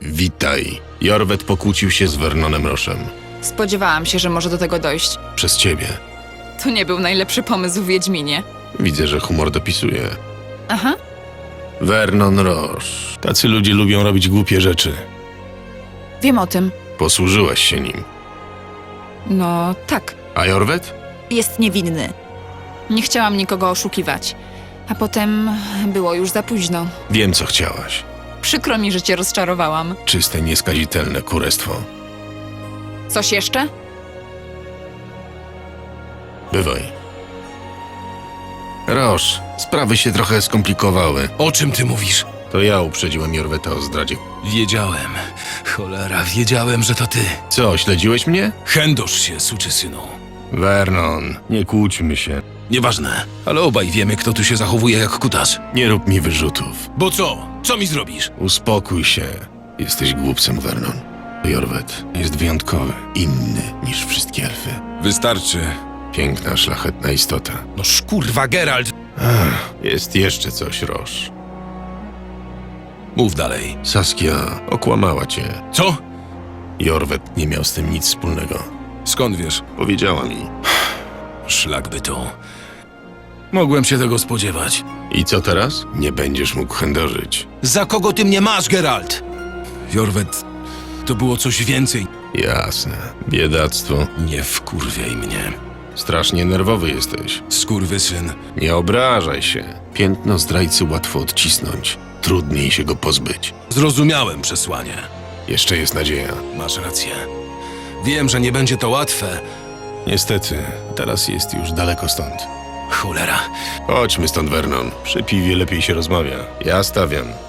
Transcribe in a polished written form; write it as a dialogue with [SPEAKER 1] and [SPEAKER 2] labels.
[SPEAKER 1] Witaj. Jorwet pokłócił się z Vernonem Roszem.
[SPEAKER 2] Spodziewałam się, że może do tego dojść.
[SPEAKER 1] Przez ciebie.
[SPEAKER 2] To nie był najlepszy pomysł w Wiedźminie.
[SPEAKER 1] Widzę, że humor dopisuje.
[SPEAKER 2] Aha.
[SPEAKER 1] Vernon Roche.
[SPEAKER 3] Tacy ludzie lubią robić głupie rzeczy.
[SPEAKER 2] Wiem o tym.
[SPEAKER 1] Posłużyłaś się nim.
[SPEAKER 2] No, tak.
[SPEAKER 1] A Jorwet?
[SPEAKER 2] Jest niewinny. Nie chciałam nikogo oszukiwać. A potem było już za późno.
[SPEAKER 1] Wiem, co chciałaś.
[SPEAKER 2] Przykro mi, że cię rozczarowałam.
[SPEAKER 1] Czyste, nieskazitelne kurestwo.
[SPEAKER 2] Coś jeszcze?
[SPEAKER 1] Bywaj. Roche, sprawy się trochę skomplikowały.
[SPEAKER 3] O czym ty mówisz?
[SPEAKER 1] To ja uprzedziłem Jorweta o zdradzie.
[SPEAKER 3] Wiedziałem. Cholera, wiedziałem, że to ty.
[SPEAKER 1] Co, śledziłeś mnie?
[SPEAKER 3] Chędosz się, suczysynu.
[SPEAKER 1] Vernon, nie kłóćmy się.
[SPEAKER 3] Nieważne, ale obaj wiemy, kto tu się zachowuje jak kutas.
[SPEAKER 1] Nie rób mi wyrzutów.
[SPEAKER 3] Bo co? Co mi zrobisz?
[SPEAKER 1] Uspokój się. Jesteś głupcem, Vernon. Jorwet jest wyjątkowy, inny niż wszystkie elfy.
[SPEAKER 3] Wystarczy.
[SPEAKER 1] Piękna, szlachetna istota.
[SPEAKER 3] No szkurwa, Geralt!
[SPEAKER 1] Jest jeszcze coś, Roche.
[SPEAKER 3] Mów dalej.
[SPEAKER 1] Saskia okłamała cię.
[SPEAKER 3] Co?
[SPEAKER 1] Jorwet nie miał z tym nic wspólnego.
[SPEAKER 3] Skąd wiesz?
[SPEAKER 1] Powiedziała mi.
[SPEAKER 3] Szlak by to. Mogłem się tego spodziewać.
[SPEAKER 1] I co teraz? Nie będziesz mógł chędożyć.
[SPEAKER 3] Za kogo ty mnie masz, Geralt? Jorwet, to było coś więcej.
[SPEAKER 1] Jasne. Biedactwo.
[SPEAKER 3] Nie wkurwiaj mnie.
[SPEAKER 1] Strasznie nerwowy jesteś.
[SPEAKER 3] Skurwysyn.
[SPEAKER 1] Nie obrażaj się. Piętno zdrajcy łatwo odcisnąć. Trudniej się go pozbyć.
[SPEAKER 3] Zrozumiałem przesłanie.
[SPEAKER 1] Jeszcze jest nadzieja.
[SPEAKER 3] Masz rację. Wiem, że nie będzie to łatwe.
[SPEAKER 1] Niestety, teraz jest już daleko stąd.
[SPEAKER 3] Cholera.
[SPEAKER 1] Chodźmy stąd, Vernon. Przy piwie lepiej się rozmawia. Ja stawiam.